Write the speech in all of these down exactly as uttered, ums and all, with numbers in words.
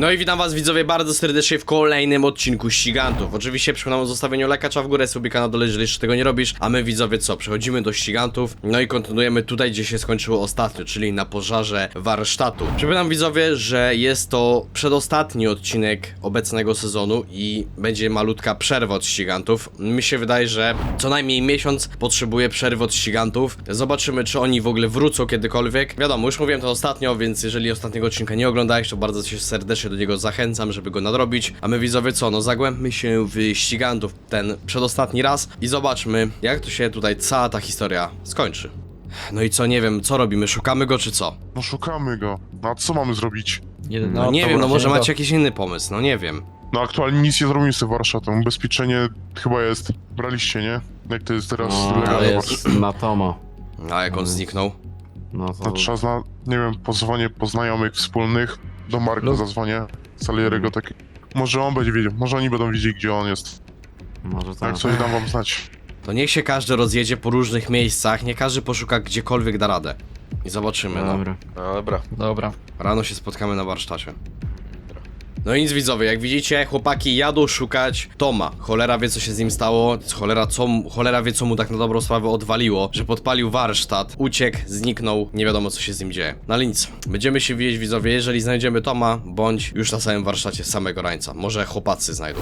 No i witam was widzowie bardzo serdecznie w kolejnym odcinku Ścigantów. Oczywiście przypominam o zostawieniu lajka w górę, subika na dole, jeżeli jeszcze tego nie robisz. A my widzowie co? Przechodzimy do Ścigantów. No i kontynuujemy tutaj, gdzie się skończyło ostatnio, czyli na pożarze warsztatu. Przypominam widzowie, że jest to przedostatni odcinek obecnego sezonu i będzie malutka przerwa od Ścigantów. Mi się wydaje, że co najmniej miesiąc potrzebuje przerwy od Ścigantów. Zobaczymy, czy oni w ogóle wrócą kiedykolwiek. Wiadomo, już mówiłem to ostatnio, więc jeżeli ostatniego odcinka nie oglądałeś, to bardzo cię serdecznie do niego zachęcam, żeby go nadrobić. A my widzowie co? No zagłębmy się w Ścigantów ten przedostatni raz i zobaczmy, jak to się tutaj cała ta historia skończy. No i co, nie wiem, co robimy? Szukamy go czy co? No szukamy go. No a co mamy zrobić? Jeden, No nie to wiem, no może właśnie macie jakiś inny pomysł, no nie wiem. No aktualnie nic nie zrobimy z tym warsztatem. Ubezpieczenie chyba jest. Braliście, nie? Jak to jest teraz? No, legalne ale warsztat? jest na Tomo. A jak on zniknął? No No to... trzeba zna... Nie wiem, pozwanie po znajomych wspólnych. Do Marka Lub- zadzwonię. Salierego taki. Może on będzie wiedział. Może oni będą wiedzieli, gdzie on jest. Może tak. Jak coś dam wam znać. To niech się każdy rozjedzie po różnych miejscach, niech każdy poszuka gdziekolwiek da radę. I zobaczymy, no. Dobra. No dobra. Dobra. Rano się spotkamy na warsztacie. No i nic widzowie, jak widzicie, chłopaki jadą szukać Toma. Cholera wie co się z nim stało, cholera, co, mu- cholera wie co mu tak na dobrą sprawę odwaliło, że podpalił warsztat, uciekł, zniknął, nie wiadomo co się z nim dzieje. No ale nic, będziemy się widzieć widzowie, jeżeli znajdziemy Toma, bądź już na samym warsztacie samego rańca. Może chłopacy znajdą.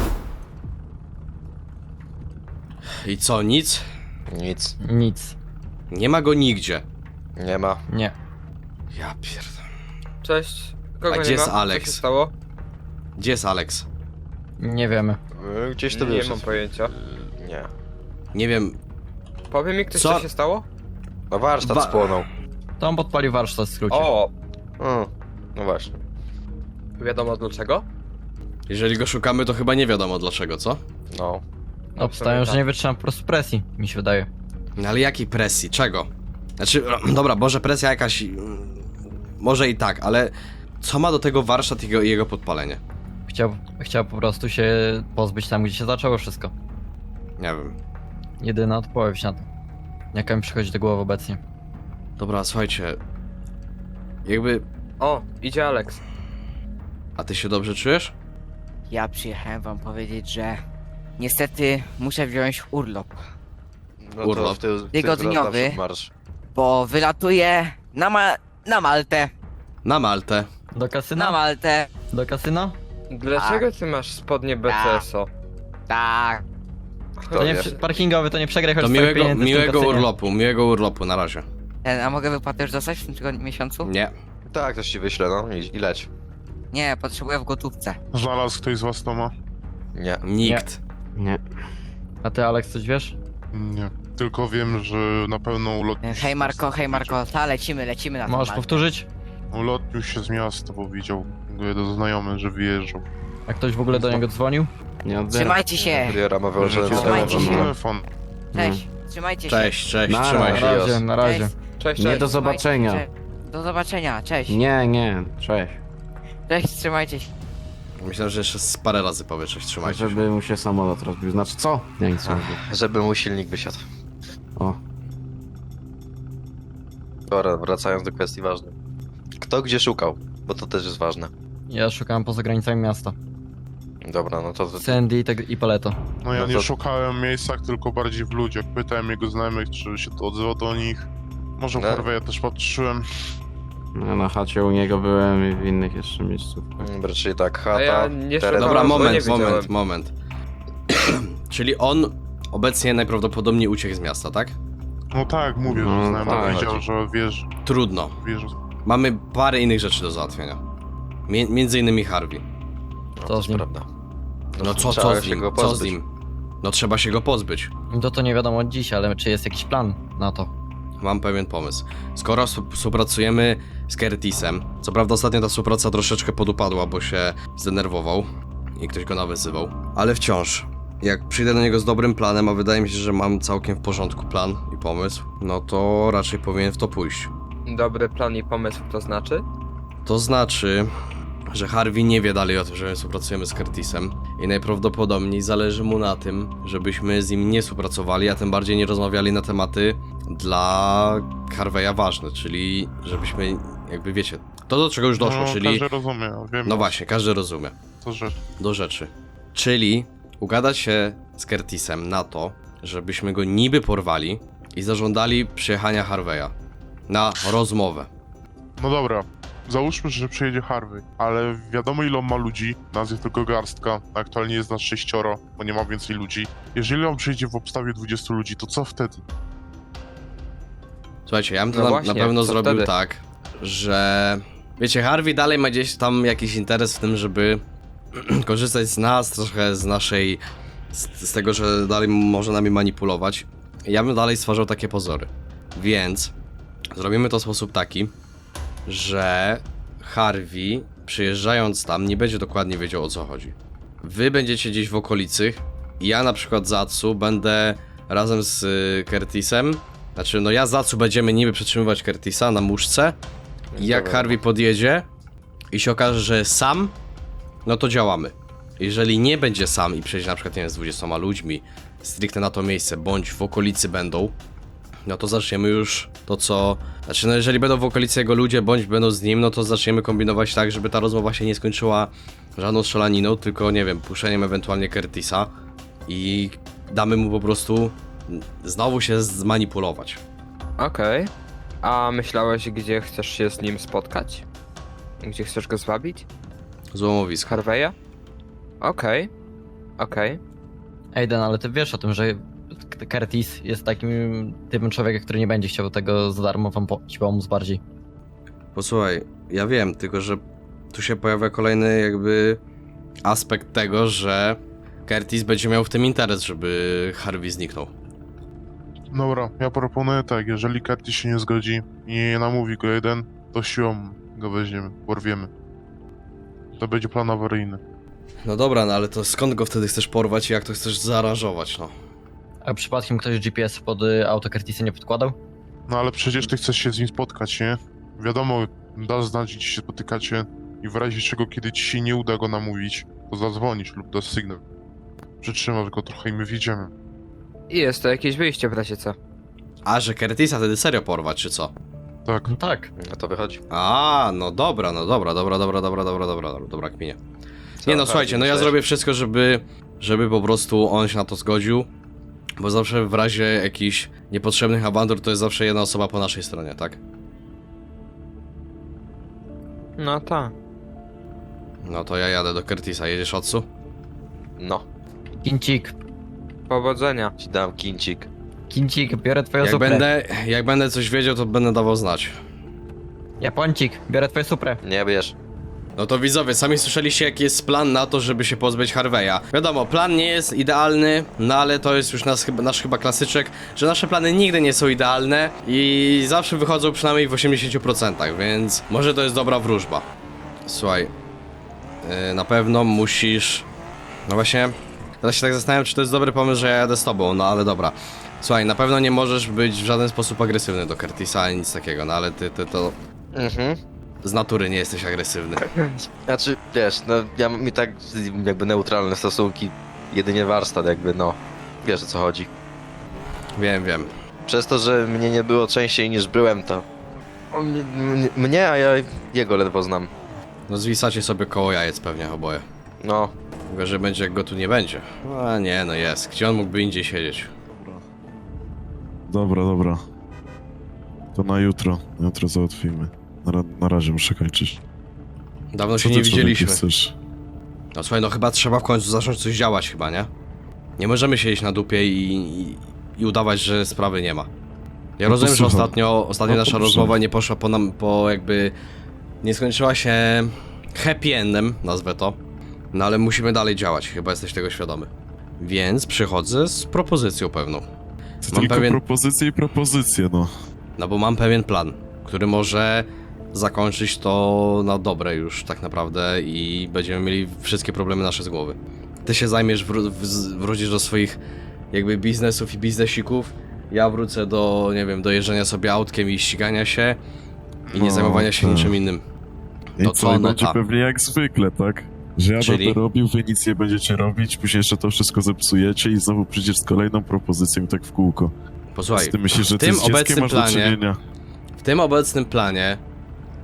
I co, nic? Nic. Nic. Nie ma go nigdzie. Nie ma. Nie. Ja pierdolę. Cześć. Kogo A nie gdzie jest ma? Alex? Co się stało? Gdzie jest Alex? Nie wiemy. Y, Gdzieś to Nie wiesz. mam pojęcia. Nie. Nie wiem, Powie mi ktoś, Co? co, się stało? No warsztat Wa- spłonął. Tom podpalił warsztat w skrócie. O! Mm. No właśnie. Wiadomo dlaczego? jeżeli go szukamy to chyba nie wiadomo dlaczego, co? No. Obstawiam, że nie wytrzymam po prostu presji, mi się wydaje. No ale jakiej presji? Czego? Znaczy, dobra, może presja jakaś... mm, Może i tak, ale... Co ma do tego warsztat i jego, jego podpalenie? Chciał, chciał po prostu się pozbyć tam, gdzie się zaczęło wszystko. Nie wiem. Jedyna odpowiedź na to. Jaka mi przychodzi do głowy obecnie. Dobra, słuchajcie... Jakby... O, idzie Alex. A ty się dobrze czujesz? Ja przyjechałem wam powiedzieć, że niestety muszę wziąć urlop, No Urlop. to w tył, w tył Tygodniowy. naprzód marsz. bo wylatuję na, ma na Maltę. Na Maltę. Do kasyna? Na Maltę. Do kasyna? Dlaczego ty masz spodnie B C S O? Tak. Kto To nie wie? przy- parkingowy, to nie przegraj choć To swoich miłego, pieniędzy w tym miłego kasynie. urlopu, miłego urlopu, na razie. Ten, a mogę wypłatę już dostać w tym tygodniu, miesiącu? Nie. Tak, ktoś ci wyśle, no i, i leć. Nie, potrzebuję w gotówce. Znalazł ktoś z was Toma? Nie. Nikt. Nie. A ty, Alex, coś wiesz? Nie. Tylko wiem, że na pewno ulotnił się Hej z Marko, miasta, hej widział. Marko, ta lecimy, lecimy na tą Możesz Maltę. powtórzyć? Ulotnił się z miasta, bo widział jeden znajomy, że wyjeżdżał. A ktoś w ogóle do niego dzwonił? Nie odbiera. Trzymajcie się. Kuriera ma wyłączony Że Trzymajcie telefon. się. telefon. Cześć, trzymajcie się. Cześć, cześć, Na trzymaj Na się. razie, na razie. Cześć. Cześć, Nie cześć. do Trzymajcie zobaczenia. się. Do zobaczenia, cześć. Nie, nie. Cześć. Cześć, trzymajcie się. Myślę, że jeszcze z parę razy powie, cześć, trzymajcie się. Żeby mu się samolot rozbił. Znaczy co? Nie, nic nie rozbił. Żeby mu silnik wysiadł. O. Dobra, wracając do kwestii ważnej. Kto gdzie szukał? Bo to też jest ważne. Ja szukałem poza granicami miasta. Dobra, no to... to Sandy i, te, i Paleto. No ja No nie to- szukałem w miejscach, tylko bardziej w ludziach. Pytałem jego znajomych, czy się to odzywa do nich. Może w No. Harveya też patrzyłem. Ja na chacie u niego byłem i w innych jeszcze miejscówkach. Dobra, czyli tak, A chata, ja nie teren... szukam. Dobra, bo nie moment, widziałem. moment, moment. Czyli on obecnie najprawdopodobniej uciekł z miasta, tak? No tak, mówię, No, że znajomy tak. powiedział, że wiesz, Trudno. wiesz. Mamy parę innych rzeczy do załatwienia. Mie między innymi Harvey. No, Co to z nim? prawda. No co, trzeba co z się nim? go Co z pozbyć. nim? No trzeba się go pozbyć. To to nie wiadomo dziś, ale czy jest jakiś plan na to? Mam pewien pomysł. Skoro wsp- współpracujemy z Curtisem, co prawda ostatnio ta współpraca troszeczkę podupadła, bo się zdenerwował i ktoś go nawyzywał, ale wciąż, jak przyjdę do niego z dobrym planem, a wydaje mi się, że mam całkiem w porządku plan i pomysł, no to raczej powinien w to pójść. Dobry plan i pomysł to znaczy? To znaczy, że Harvey nie wie dalej o tym, że my współpracujemy z Curtisem i najprawdopodobniej zależy mu na tym, żebyśmy z nim nie współpracowali, a tym bardziej nie rozmawiali na tematy dla Harveya ważne, czyli żebyśmy, jakby wiecie, To do czego już doszło, no, czyli... każdy rozumie, wiem. No właśnie, każdy rozumie. To rzecz. Do rzeczy. Czyli ugadać się z Curtisem na to, żebyśmy go niby porwali i zażądali przyjechania Harveya na rozmowę. No dobra, załóżmy, że przyjedzie Harvey, ale wiadomo ile on ma ludzi, nas jest tylko garstka, aktualnie jest nas sześcioro, bo nie ma więcej ludzi. Jeżeli on przyjdzie w obstawie dwudziestu ludzi, to co wtedy? Słuchajcie, ja bym to No na, właśnie, na pewno co zrobił wtedy? tak, że... Wiecie, Harvey dalej ma gdzieś tam jakiś interes w tym, żeby korzystać z nas, trochę z naszej... Z, z tego, że dalej może nami manipulować. Ja bym dalej stwarzał takie pozory. Więc zrobimy to w sposób taki, że Harvey, przyjeżdżając tam, nie będzie dokładnie wiedział, o co chodzi. Wy będziecie gdzieś w okolicy, ja na przykład z Atsu będę razem z y, Curtisem, znaczy no ja z Atsu będziemy niby przetrzymywać Curtisa na muszce i jak Dobra. Harvey podjedzie i się okaże, że jest sam, no to działamy. Jeżeli nie będzie sam i przyjedzie na przykład, nie wiem, z dwudziestoma ludźmi stricte na to miejsce, bądź w okolicy będą, no to zaczniemy już to, co... Znaczy, no jeżeli będą w okolicy jego ludzie, bądź będą z nim, no to zaczniemy kombinować tak, żeby ta rozmowa się nie skończyła żadną strzelaniną, tylko, nie wiem, puszeniem ewentualnie Curtisa i damy mu po prostu znowu się zmanipulować. Okej. A myślałeś, gdzie chcesz się z nim spotkać? Gdzie chcesz go zwabić? Z Złomowisko. Harveya? Okej. Okej. Aiden, ale ty wiesz o tym, że Curtis jest takim typem człowieka, który nie będzie chciał tego za darmo wam po- ci pomóc bardziej. Posłuchaj, ja wiem, tylko że tu się pojawia kolejny jakby aspekt tego, że Curtis będzie miał w tym interes, żeby Harvey zniknął. Dobra, ja proponuję tak, jeżeli Curtis się nie zgodzi i nie namówi go jeden, to siłą go weźmiemy, porwiemy. To będzie plan awaryjny. No dobra, no ale to skąd go wtedy chcesz porwać i jak to chcesz zaaranżować, no? A przypadkiem ktoś G P S pod y, auto Curtisa nie podkładał? No ale przecież ty chcesz się z nim spotkać, nie? Wiadomo, dasz znać, gdzie się spotykacie i w razie czego, kiedy ci się nie uda go namówić, to zadzwonisz lub dasz sygnał. Przytrzymasz go trochę i my wjedziemy. I jest to jakieś wyjście w razie co. A, że Curtisa wtedy serio porwać, czy co? Tak. No tak. No to wychodzi. A, no dobra, no dobra, dobra, dobra, dobra, dobra, dobra, dobra, dobra, kminie. Co, Nie no, Harvey, słuchajcie, no ja myślałeś? zrobię wszystko, żeby, żeby po prostu on się na to zgodził, bo zawsze w razie jakichś niepotrzebnych awantur to jest zawsze jedna osoba po naszej stronie, tak? No tak. No to ja jadę do Curtisa, jedziesz Otsu? No, Kincik. Powodzenia. ci dam kincik. Kincik, biorę twoją Jak suprę. będę, jak będę coś wiedział, to będę dawał znać. Japończyk, biorę twoją suprę. Nie bierz. No to widzowie, sami słyszeliście jaki jest plan na to, żeby się pozbyć Harveya. Wiadomo, plan nie jest idealny, no ale to jest już nasz, nasz chyba klasyczek, że nasze plany nigdy nie są idealne i zawsze wychodzą przynajmniej w osiemdziesięciu procentach, więc może to jest dobra wróżba. Słuchaj, yy, na pewno musisz... No właśnie, teraz się tak zastanawiam, czy to jest dobry pomysł, że ja jadę z tobą, no ale dobra. Słuchaj, na pewno nie możesz być w żaden sposób agresywny do Curtisa ani nic takiego, no ale ty, ty to Mhm. z natury nie jesteś agresywny. Znaczy, wiesz, no ja mam i tak jakby neutralne stosunki, jedynie warsztat jakby, no. Wiesz o co chodzi. Wiem, wiem. Przez to, że mnie nie było częściej niż byłem, to... On mnie, mnie, mnie, a ja jego ledwo znam. No zwisacie sobie koło jajec pewnie oboje. No, Tylko, że będzie jak go tu nie będzie. A nie, no jest. Gdzie on mógłby indziej siedzieć? Dobra, dobra. To na jutro. Na jutro załatwimy. Na, ra- na razie muszę kończyć. Dawno Co się ty, nie człowieku, widzieliśmy. chcesz? No słuchaj, no chyba trzeba w końcu zacząć coś działać chyba, nie? Nie możemy siedzieć na dupie i, i, i udawać, że sprawy nie ma. Ja No to rozumiem, że słucham. ostatnio, ostatnio No nasza dobrze. rozmowa nie poszła po nam, po jakby... Nie skończyła się happy endem, nazwę to. No ale musimy dalej działać, chyba jesteś tego świadomy. Więc przychodzę z propozycją pewną. To Mam tylko pewien- propozycje i propozycje, no. No bo mam pewien plan, który może zakończyć to na dobre już tak naprawdę i będziemy mieli wszystkie problemy nasze z głowy. Ty się zajmiesz, wró- w- wrócisz do swoich jakby biznesów i biznesików, ja wrócę do, nie wiem, do jeżdżenia sobie autkiem i ścigania się i nie No, zajmowania się tak. niczym innym. I No co, co, i no będzie tak. pewnie jak zwykle, tak? Że ja Czyli? będę robił, wy nic nie będziecie robić, później jeszcze to wszystko zepsujecie i znowu przyjdziesz z kolejną propozycją i tak w kółko. Posłuchaj, Z tym myślisz, że w ty tym z dzieckiem obecnym masz do planie, czynienia. w tym obecnym planie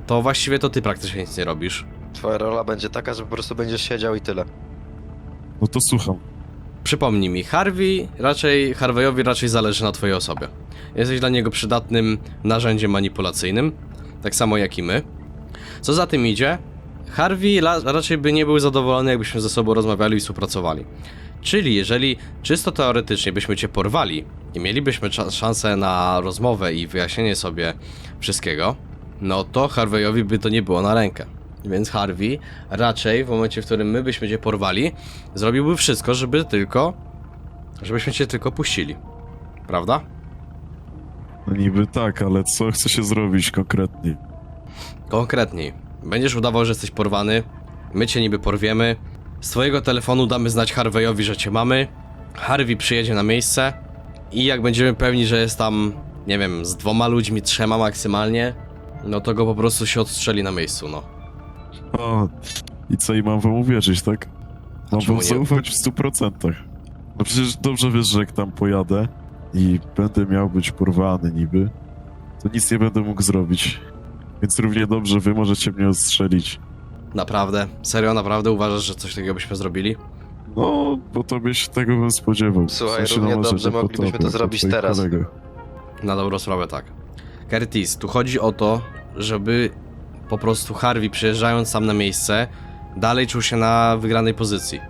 to właściwie to ty praktycznie nic nie robisz. Twoja rola będzie taka, że po prostu będziesz siedział i tyle. No to słucham. Przypomnij mi, Harvey raczej, Harveyowi raczej zależy na twojej osobie. Jesteś dla niego przydatnym narzędziem manipulacyjnym, tak samo jak i my. Co za tym idzie, Harvey la, raczej by nie był zadowolony, jakbyśmy ze sobą rozmawiali i współpracowali. Czyli jeżeli czysto teoretycznie byśmy cię porwali i mielibyśmy cza- szansę na rozmowę i wyjaśnienie sobie wszystkiego, no to Harveyowi by to nie było na rękę. Więc Harvey raczej w momencie, w którym my byśmy cię porwali, zrobiłby wszystko, żeby tylko, żebyśmy cię tylko puścili. Prawda? No niby tak, ale co chce się zrobić konkretnie? Konkretniej. Będziesz udawał, że jesteś porwany, my cię niby porwiemy, z twojego telefonu damy znać Harveyowi, że cię mamy, Harvey przyjedzie na miejsce i jak będziemy pewni, że jest tam, nie wiem, z dwoma ludźmi, trzema maksymalnie, no to go po prostu się odstrzeli na miejscu, no. O, i co, i mam wam uwierzyć, tak? Mam czemu wam nie? zaufać w stu procentach. No przecież dobrze wiesz, że jak tam pojadę i będę miał być porwany niby, to nic nie będę mógł zrobić. Więc równie dobrze wy możecie mnie odstrzelić. Naprawdę? Serio, naprawdę uważasz, że coś takiego byśmy zrobili? No, bo tobie się tego bym spodziewał. Słuchaj, W sensie, równie no, może dobrze nie po moglibyśmy tobie, to po zrobić twoich teraz. kolegach. Na dobrą sprawę tak. Curtis, tu chodzi o to, żeby po prostu Harvey przyjeżdżając sam na miejsce, dalej czuł się na wygranej pozycji.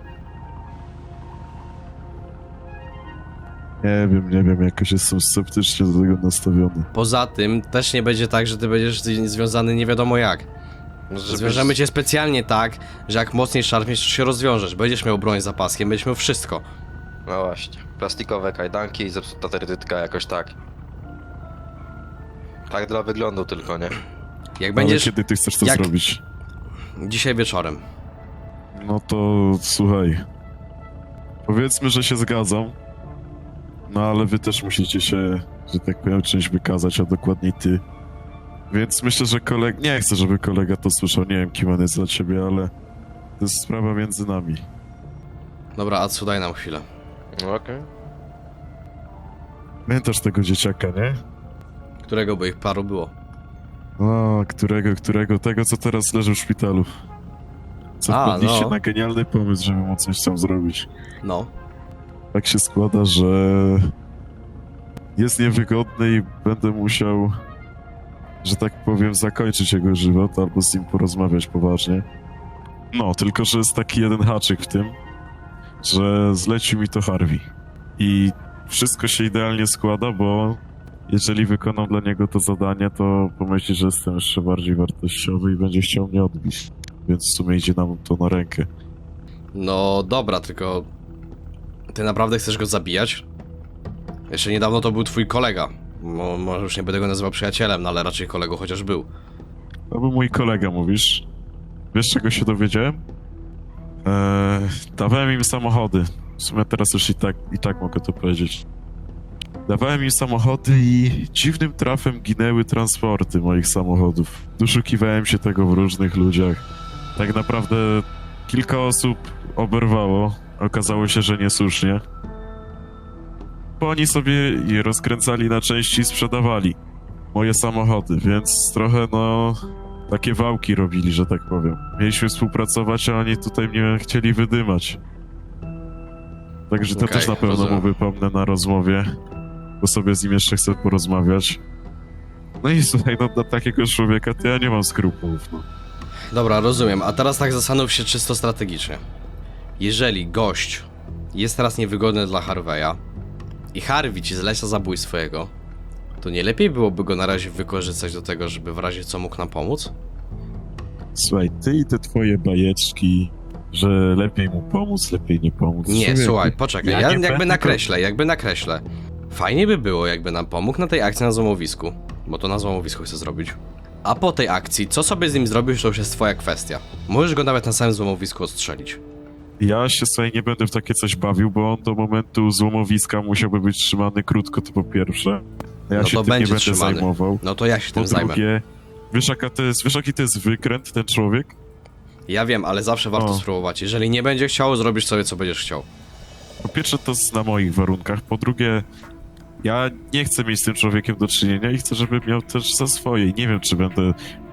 Nie wiem, nie wiem, jakoś jestem sceptycznie do tego nastawiony. Poza tym też nie będzie tak, że ty będziesz z- związany nie wiadomo jak. Żebyś- Zwiążemy cię specjalnie tak, że jak mocniej szarpniesz, to się rozwiążesz. Będziesz miał broń za paskiem, będziesz miał wszystko. No właśnie. Plastikowe kajdanki i zepsuta terytytka jakoś tak. Tak dla wyglądu tylko, nie? Jak Ale będziesz kiedy ty chcesz to jak- zrobić? dzisiaj wieczorem. No to słuchaj. Powiedzmy, że się zgadzam. No ale wy też musicie się, że tak powiem, czymś wykazać, a dokładniej ty. Więc myślę, że kolega... Nie chcę, żeby kolega to słyszał. Nie wiem, kim on jest dla ciebie, ale to jest sprawa między nami. Dobra, Atsu, daj nam chwilę. No okej. Pamiętasz tego dzieciaka, nie? Którego by ich paru było? O, którego, którego? Tego, co teraz leży w szpitalu. Co A, wpadliście no. na genialny pomysł, żeby mu coś tam zrobić. No. Tak się składa, że jest niewygodny i będę musiał, że tak powiem, zakończyć jego żywot albo z nim porozmawiać poważnie. No, tylko że jest taki jeden haczyk w tym, że zlecił mi to Harvey. I wszystko się idealnie składa, bo jeżeli wykonam dla niego to zadanie, to pomyśli, że jestem jeszcze bardziej wartościowy i będzie chciał mnie odbić. Więc w sumie idzie nam to na rękę. No dobra, tylko... Ty naprawdę chcesz go zabijać? Jeszcze niedawno to był twój kolega. Mo, może już nie będę go nazywał przyjacielem, no ale raczej kolego chociaż był. To był mój kolega, mówisz? Wiesz, czego się dowiedziałem? Eee, dawałem im samochody. W sumie teraz już i tak, i tak mogę to powiedzieć. Dawałem im samochody i dziwnym trafem ginęły transporty moich samochodów. Doszukiwałem się tego w różnych ludziach. Tak naprawdę kilka osób oberwało. Okazało się, że niesłusznie. Bo oni sobie je rozkręcali na części i sprzedawali moje samochody, więc trochę no... takie wałki robili, że tak powiem. Mieliśmy współpracować, a oni tutaj mnie chcieli wydymać. Także to Okej, też na pewno rozumiem. mu wypomnę na rozmowie, bo sobie z nim jeszcze chcę porozmawiać. No i słuchaj, no dla takiego człowieka to ja nie mam skrupułów, no. Dobra, rozumiem. A teraz tak zastanów się czysto strategicznie. Jeżeli gość jest teraz niewygodny dla Harveya i Harvey ci zleca zabójstwo jego, to nie lepiej byłoby go na razie wykorzystać do tego, żeby w razie co mógł nam pomóc? Słuchaj, ty i te twoje bajeczki, że lepiej mu pomóc, lepiej nie pomóc. Nie, Człowieku, słuchaj, poczekaj, ja ja nie jakby będę nakreślę, jakby nakreślę. Fajnie by było, jakby nam pomógł na tej akcji na złomowisku, bo to na złomowisku chcę zrobić. A po tej akcji, co sobie z nim zrobisz, to już jest twoja kwestia. Możesz go nawet na samym złomowisku odstrzelić. Ja się sobie nie będę w takie coś bawił, bo on do momentu złomowiska musiałby być trzymany krótko, to po pierwsze. Ja No się to tym nie będzie będę trzymany. zajmował. No to ja się Po tym zajmę. drugie, wiesz, jaka to jest, wiesz jaki to jest wykręt, ten człowiek? Ja wiem, ale zawsze warto O. spróbować. Jeżeli nie będzie chciał, zrobisz sobie co będziesz chciał. Po pierwsze, to jest na moich warunkach. Po drugie, ja nie chcę mieć z tym człowiekiem do czynienia i chcę, żeby miał też za swoje. I nie wiem, czy będę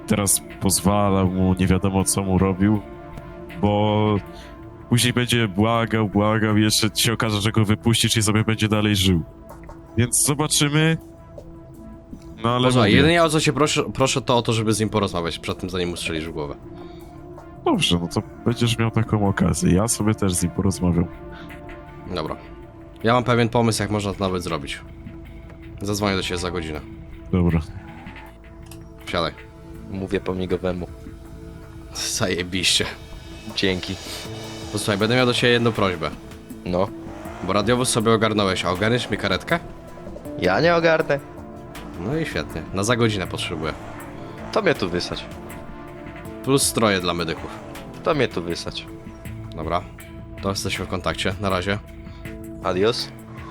teraz pozwalał mu, nie wiadomo co mu robił, bo później będzie błagał, błagał i jeszcze się okaże, że go wypuścisz i sobie będzie dalej żył. Więc zobaczymy. No ale Posłuchaj, mówię, jedynie o co cię proszę, proszę to o to, żeby z nim porozmawiać przed tym, zanim mu strzelisz w głowę. dobrze, no to będziesz miał taką okazję. Ja sobie też z nim porozmawiam. Dobra. Ja mam pewien pomysł, jak można to nawet zrobić. Zadzwonię do ciebie za godzinę. Dobra. Wsiadaj. Mówię po migowemu. Zajebiście. Dzięki. Posłuchaj, będę miał do ciebie jedną prośbę. No. Bo radiowóz sobie ogarnąłeś, a ogarniesz mi karetkę? Ja nie ogarnę. No i świetnie. Na za godzinę potrzebuję. To mnie tu wysać. Plus stroje dla medyków. To mnie tu wysać. Dobra. To jesteśmy w kontakcie. Na razie. Adios.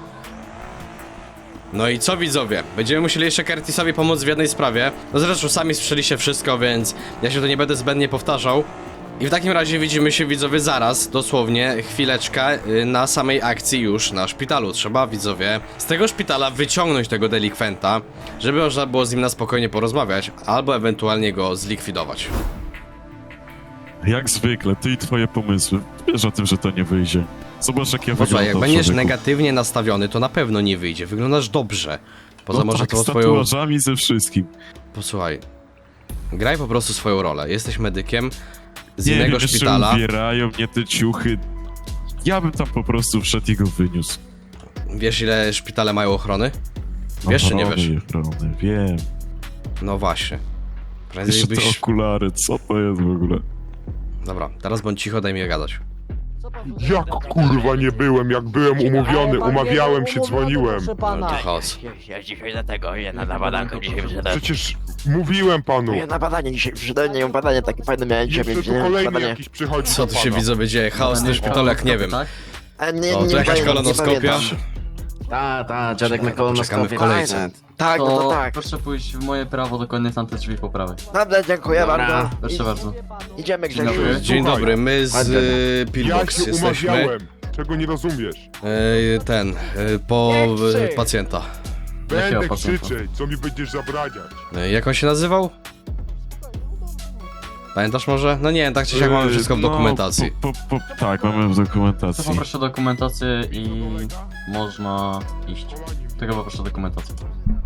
No i co widzowie? Będziemy musieli jeszcze Curtisowi pomóc w jednej sprawie. No zresztą sami słyszeliście wszystko, więc ja się tu nie będę zbędnie powtarzał. I w takim razie widzimy się widzowie zaraz, dosłownie chwileczkę y, na samej akcji już na szpitalu. Trzeba widzowie z tego szpitala wyciągnąć tego delikwenta, żeby można było z nim na spokojnie porozmawiać, albo ewentualnie go zlikwidować. Jak zwykle, ty i twoje pomysły. Wiesz o tym, że to nie wyjdzie. Zobacz jak ja Posłuchaj, jak wyglądam, będziesz człowieku. negatywnie nastawiony, to na pewno nie wyjdzie. Wyglądasz dobrze. Poza No może tak, tą z swoją... tatuażami, ze wszystkim. Posłuchaj. Graj po prostu swoją rolę. Jesteś medykiem z Nie innego wiem, jeszcze szpitala. ubierają mnie te ciuchy. Ja bym tam po prostu wszedł i go wyniósł. Wiesz, ile szpitale mają ochrony? Wiesz, czy nie wiesz? Ochrony, wiem. No właśnie. Prędzej Jeszcze te byś... okulary, co to jest w ogóle? Dobra, teraz bądź cicho, daj mi gadać. Jak kurwa nie byłem, jak byłem umówiony, umawiałem się, dzwoniłem. No to chaos. Ja dzisiaj dlatego ja na badanku dzisiaj przyszedłem. Przecież mówiłem panu. Ja na badanie dzisiaj przyszedłem, nie mam badanie takie fajne miałem dzisiaj, Jeszcze więc tu nie mam kolejny badanie. jakiś przychodzi Co do tu się pana. widzowie dzieje? Chaos w tym szpitalu jak nie wiem. A nie, O, nie tu jakaś pamiętam, kolonoskopia. nie pamiętam. Ta, ta, dziadek na Czekamy kolonoskopie. w kolejce. Tak, no to tak. proszę pójść w moje prawo, dokładnie tamte drzwi po prawej. Dobra, dziękuję Dobra. bardzo. Proszę bardzo. I, idziemy Grzesiu. dobry. Dzień Słuchaj, dobry, my z Ładnie. y, Ja Pillbox się jesteśmy. umawiałem. Czego nie rozumiesz? Y, ten, y, po Nie krzyk. y, pacjenta. Będę pacjenta? krzyczeć, co mi będziesz zabraniać. Y, jak on się nazywał? Pamiętasz może? No nie, tak czy siak mamy wszystko w No, dokumentacji. Po, po, po, tak, mamy w dokumentacji. To poproszę dokumentację i można iść. Tylko poproszę dokumentację.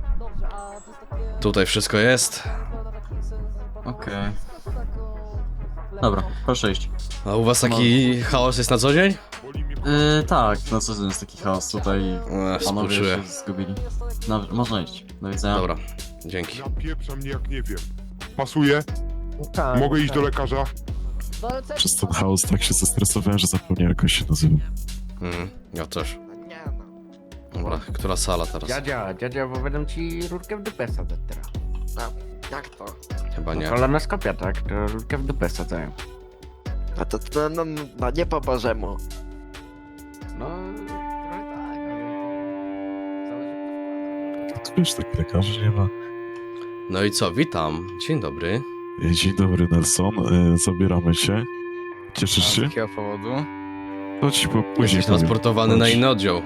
Tutaj wszystko jest. Okej. Dobra, proszę iść. A u was taki chaos jest na co dzień? Boli mnie Yy, tak, no co to jest taki chaos tutaj. Ech, Panowie współczuję. się zgubili. No, można iść. Do widzenia. Dobra, dzięki. napieprza mnie jak nie wiem. Pasuje? Mogę iść do lekarza? Przez ten chaos tak się zestresowałem, że zapomniałem jak on się nazywa. Mhm, ja też. Nie no. Dobra, która sala teraz? Dziadzia, dziadzia, bo będę ci rurkę w dupę sadzać teraz. Jak to? Chyba nie. Kolonoskopia, tak? To rurkę w dupę sadzają. A to, to no, no, no nie po bożemu. No, trochę tak, ale... Zależy Tu wiesz, tak lekarzy nie ma. No i co, witam. Dzień dobry. E, Dzień dobry, Nelson. E, Zabieramy cię. Cieszysz Z się? jakiego powodu? To ci po później Jesteś powiem. transportowany na Chodź. inny oddział.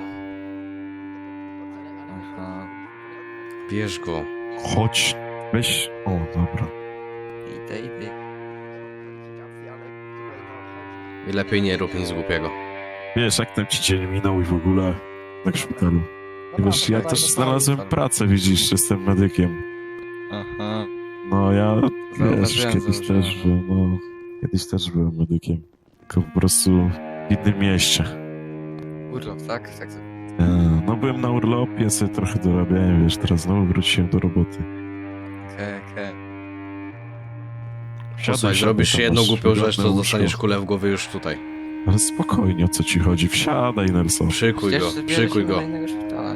Aha. Bierz go. Chodź, weź. O, dobra. Idę, idę. I lepiej nie rób nic głupiego. Wiesz, jak tam ci dzień minął i w ogóle tak w szpitalu. I wiesz, ja też znalazłem pracę, widzisz, jestem medykiem. Aha. No ja, wiesz, Zauważyłem, kiedyś zauważyłem. też byłem, no, kiedyś też byłem medykiem. Tylko po prostu w innym mieście. Urlop, tak? Tak. E, No byłem na urlopie, sobie trochę dorabiałem, wiesz, teraz znowu wróciłem do roboty. Okej, okej. Siadaj, Posłuchaj, siadaj, zrobisz tam jedną masz głupią rzecz, wygodne to łóżko. dostaniesz kulę w głowę już tutaj. Ale spokojnie, o co ci chodzi? Wsiadaj, Nelson. Przykuj go, Przecież przykuj bierzesz go. do innego szpitala.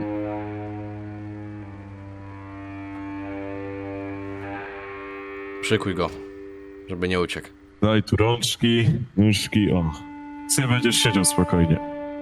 Przykuj go. Żeby nie uciekł. Daj tu rączki, nóżki, o. Ty będziesz siedział spokojnie.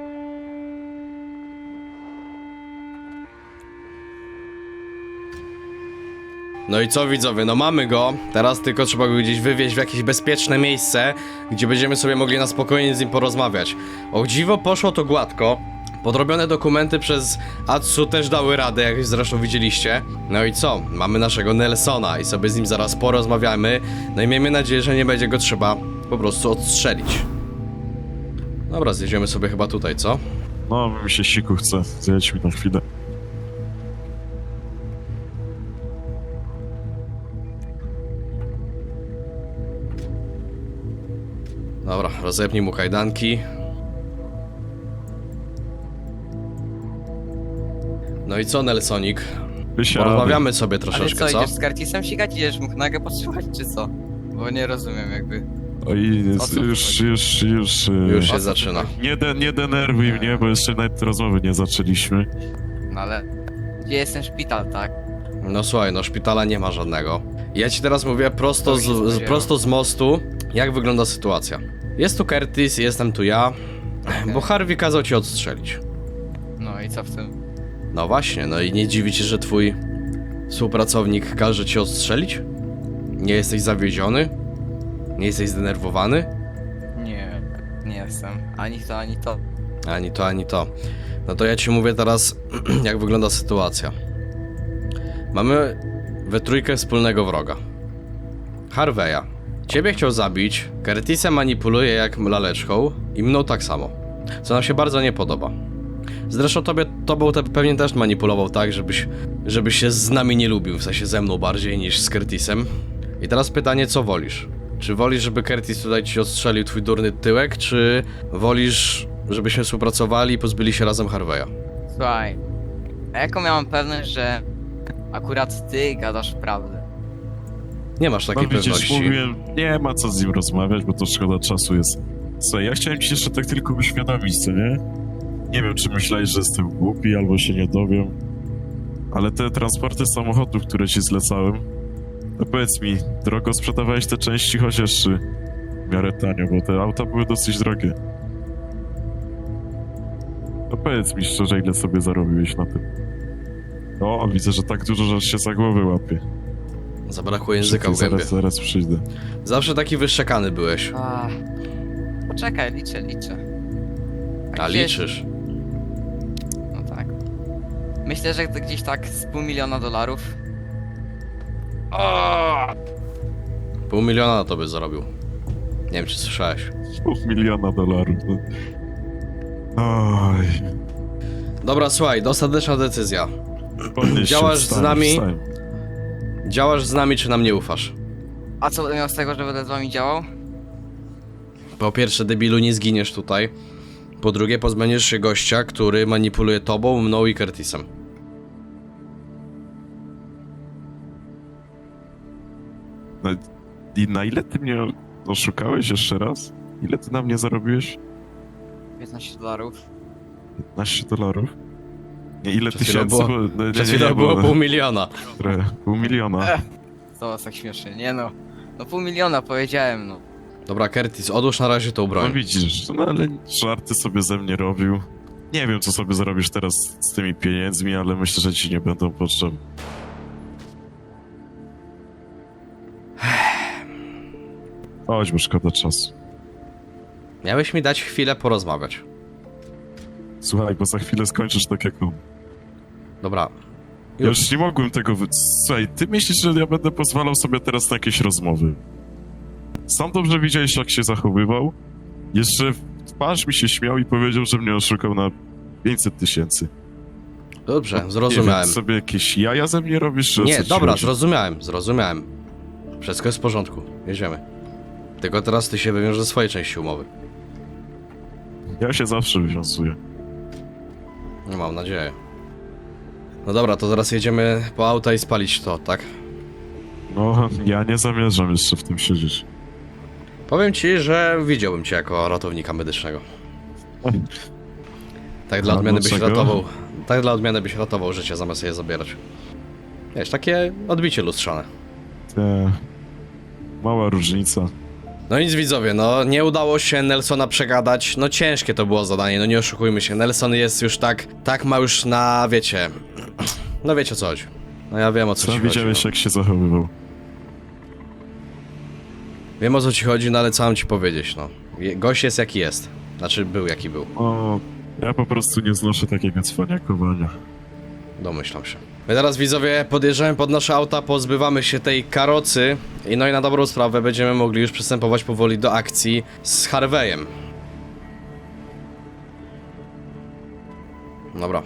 No i co widzowie, no mamy go. Teraz tylko trzeba go gdzieś wywieźć w jakieś bezpieczne miejsce, gdzie będziemy sobie mogli na spokojnie z nim porozmawiać. O dziwo poszło to gładko. Podrobione dokumenty przez Atsu też dały radę, jak zresztą widzieliście. No i co? Mamy naszego Nelsona i sobie z nim zaraz porozmawiamy. No i miejmy nadzieję, że nie będzie go trzeba po prostu odstrzelić. Dobra, zjedziemy sobie chyba tutaj, co? No, mi się siku chce. Zjedź mi na chwilę. Dobra, rozepnij mu kajdanki. No i co, Nelsonik? Wysiadaj. Porozmawiamy sobie Ale troszeczkę, co, co? idziesz z Curtisem sikać? Idziesz mu nogę podsłuchać, czy co? Bo nie rozumiem jakby. Oj, O co już, chodzi? już, już... e, Już się zaczyna. Nie, de, nie denerwuj mnie, bo jeszcze nawet rozmowy nie zaczęliśmy. No ale... Gdzie jest ten szpital, tak? No słuchaj, no szpitala nie ma żadnego. Ja ci teraz mówię prosto To się z, z, spodziewałem. prosto z mostu, jak wygląda sytuacja. Jest tu Curtis, jestem tu ja, bo Harvey kazał ci odstrzelić. No i co w tym? No właśnie, no i nie dziwi cię, że twój współpracownik każe ci odstrzelić? Nie jesteś zawiedziony? Nie jesteś zdenerwowany? Nie, nie jestem. Ani to, ani to. Ani to, ani to. No to ja ci mówię teraz, jak wygląda sytuacja. Mamy we trójkę wspólnego wroga. Harveya. Ciebie chciał zabić, Curtisa manipuluje jak laleczką i mną tak samo. Co nam się bardzo nie podoba. Zresztą tobie, tobą te pewnie też manipulował tak, żebyś, żebyś się z nami nie lubił, w sensie ze mną bardziej niż z Curtisem. I teraz pytanie, co wolisz? Czy wolisz, żeby Curtis tutaj ci odstrzelił twój durny tyłek, czy wolisz, żebyśmy współpracowali i pozbyli się razem Harveya? Słuchaj, a jaką miałam pewność, że akurat ty gadasz prawdę? Nie masz takiej No widzisz, pewności. mówiłem, nie ma co z nim rozmawiać, bo to szkoda czasu jest. Słuchaj, ja chciałem ci jeszcze tak tylko uświadomić, co nie? Nie wiem, czy myślałeś, że jestem głupi, albo się nie dowiem. Ale te transporty samochodów, które ci zlecałem, to powiedz mi, drogo sprzedawałeś te części chociaż czy w miarę tanio, bo te auta były dosyć drogie. To powiedz mi szczerze, ile sobie zarobiłeś na tym. O, widzę, że tak dużo, że się za głowę łapie. Zabrakło języka w Czekaj, gębie. zaraz, zaraz przyjdę. Zawsze taki wyszczekany byłeś. A, poczekaj, liczę, liczę. A gdzieś- liczysz. No tak. Myślę, że to gdzieś tak z pół miliona dolarów. O! Pół miliona na to by zarobił. Nie wiem, czy słyszałeś. Pół miliona dolarów. No. Oj. Dobra, słuchaj, ostateczna decyzja. Podnieś się, Działasz z wstań, nami? wstań. Działasz z nami, czy nam nie ufasz? A co będę miał z tego, że będę z wami działał? Po pierwsze, debilu, nie zginiesz tutaj. Po drugie, pozbędziesz się gościa, który manipuluje tobą, mną i Curtisem. No, i na ile ty mnie oszukałeś jeszcze raz? Ile ty na mnie zarobiłeś? piętnaście dolarów. piętnaście dolarów? Nie, ile Przed chwilą tysięcy? było- Bo, no, nie, Przed nie, chwilą nie, było bo- pół miliona. Trochę, pół miliona. Ech. To was tak śmieszy, nie no. No pół miliona powiedziałem, no. Dobra, Curtis, odłóż na razie tą No broń. widzisz, no ale żarty sobie ze mnie robił. Nie wiem, co sobie zrobisz teraz z tymi pieniędzmi, ale myślę, że ci nie będą potrzebne. Chodź, bo szkoda czasu. Miałeś mi dać chwilę porozmawiać. Słuchaj, bo za chwilę skończysz tak jak on. Dobra. Ja już nie mogłem tego wy... Słuchaj, ty myślisz, że ja będę pozwalał sobie teraz na jakieś rozmowy? Sam dobrze widziałeś, jak się zachowywał. Jeszcze w twarz mi się śmiał i powiedział, że mnie oszukał na pięćset tysięcy. Dobrze, Nie wiem, zrozumiałem. sobie jakieś jaja ze mnie robisz, czy o co Nie, ci dobra, chodzi? zrozumiałem, zrozumiałem. Wszystko jest w porządku, jedziemy. Tylko teraz ty się wywiąż ze swojej części umowy. Ja się zawsze wywiązuję. No mam nadzieję. No dobra, to teraz jedziemy po auta i spalić to, tak? No, ja nie zamierzam jeszcze w tym siedzieć. Powiem ci, że widziałbym cię jako ratownika medycznego. Tak dla A odmiany byś dlaczego? ratował. Tak dla odmiany byś ratował życie zamiast je zabierać. Wiesz, takie odbicie lustrzane. Te... Mała różnica. No nic widzowie, no nie udało się Nelsona przegadać, no ciężkie to było zadanie, no nie oszukujmy się, Nelson jest już tak, tak ma już na, wiecie, no wiecie o co chodzi. No ja wiem o co Co ci chodzi. widziałeś, No. jak się zachowywał? Wiem o co ci chodzi, no ale co mam ci powiedzieć, no. Je- Gość jest jaki jest, znaczy był jaki był. O, Ja po prostu nie znoszę takiego cwaniakowania. Domyślam się. My teraz, widzowie, podjeżdżamy pod nasze auta, pozbywamy się tej karocy i no i na dobrą sprawę będziemy mogli już przystępować powoli do akcji z Harveyem. Dobra.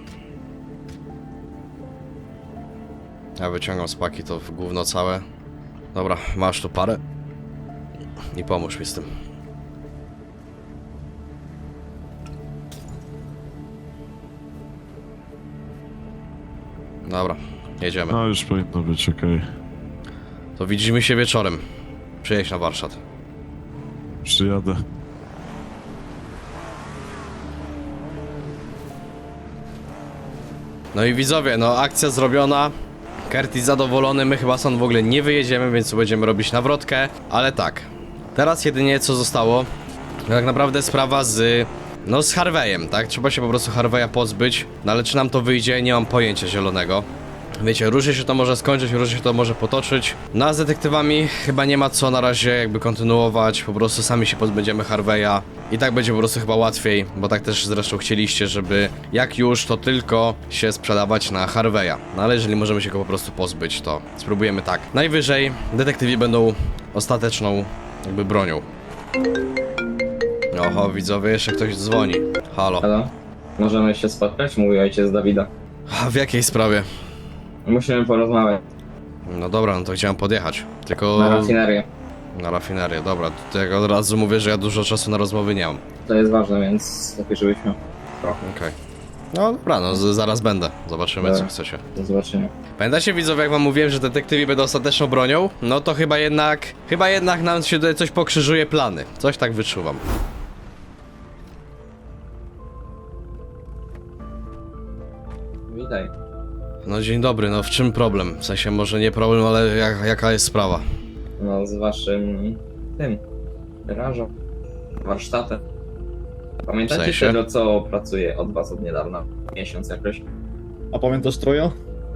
Ja wyciągam z paki to w gówno całe. Dobra, masz tu parę. I pomóż mi z tym. Dobra, jedziemy. No już powinno być okej. To widzimy się wieczorem. Przyjedź na warsztat. Przyjadę. No i widzowie, no akcja zrobiona. Curtis zadowolony, my chyba stąd w ogóle nie wyjedziemy, więc tu będziemy robić nawrotkę. Ale tak, teraz jedynie co zostało, to tak naprawdę sprawa z... No z Harveyem, tak? Trzeba się po prostu Harveya pozbyć. No ale czy nam to wyjdzie, nie mam pojęcia zielonego. Wiecie, różnie się to może skończyć, różnie się to może potoczyć. No a z detektywami chyba nie ma co na razie jakby kontynuować. Po prostu sami się pozbędziemy Harveya. I tak będzie po prostu chyba łatwiej, bo tak też zresztą chcieliście, żeby jak już to tylko się sprzedawać na Harveya. No ale jeżeli możemy się go po prostu pozbyć, to spróbujemy tak. Najwyżej detektywi będą ostateczną jakby bronią. Oho, widzowie, jeszcze ktoś dzwoni. Halo. Halo? Możemy się spotkać? Mówi ojciec Dawida. A w jakiej sprawie? Musimy porozmawiać. No dobra, no to chciałem podjechać. Tylko... Na rafinerię. Na rafinerię, dobra. To jak od razu mówię, że ja dużo czasu na rozmowy nie mam. To jest ważne, więc lepiej żebyśmy... Okej. No dobra, no z- zaraz będę. Zobaczymy, co Dobra. chcecie. Do zobaczenia. Pamiętacie, widzowie, jak wam mówiłem, że detektywi będą ostateczną bronią? No to chyba jednak... Chyba jednak nam się tutaj coś pokrzyżuje plany. Coś tak wyczuwam. Witaj. No dzień dobry, no w czym problem? W sensie może nie problem, ale jak, jaka jest sprawa? No z waszym... tym... garażem. Warsztatem. Pamiętacie W sensie? tego, co pracuje od was od niedawna? Miesiąc jakoś. A pamiętasz Troja?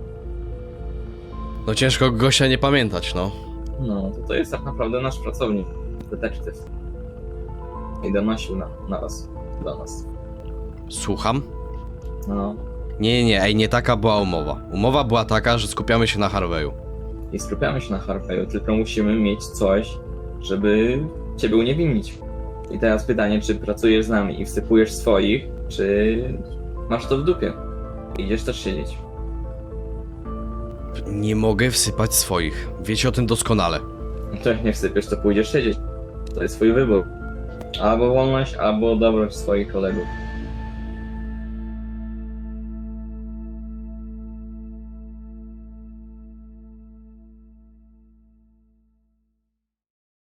No ciężko gościa nie pamiętać, no. No, to to jest tak naprawdę nasz pracownik. Detektyw. I donosił na, na was. Do nas. Słucham? No. Nie, nie, nie, ej, nie taka była umowa. Umowa była taka, że skupiamy się na Harveyu. I skupiamy się na Harveyu, tylko musimy mieć coś, żeby ciebie uniewinnić. I teraz pytanie, czy pracujesz z nami i wsypujesz swoich, czy masz to w dupie? Idziesz też siedzieć. Nie mogę wsypać swoich. Wiecie o tym doskonale. No to jak nie wsypiesz, to pójdziesz siedzieć. To jest twój wybór. Albo wolność, albo dobroć swoich kolegów.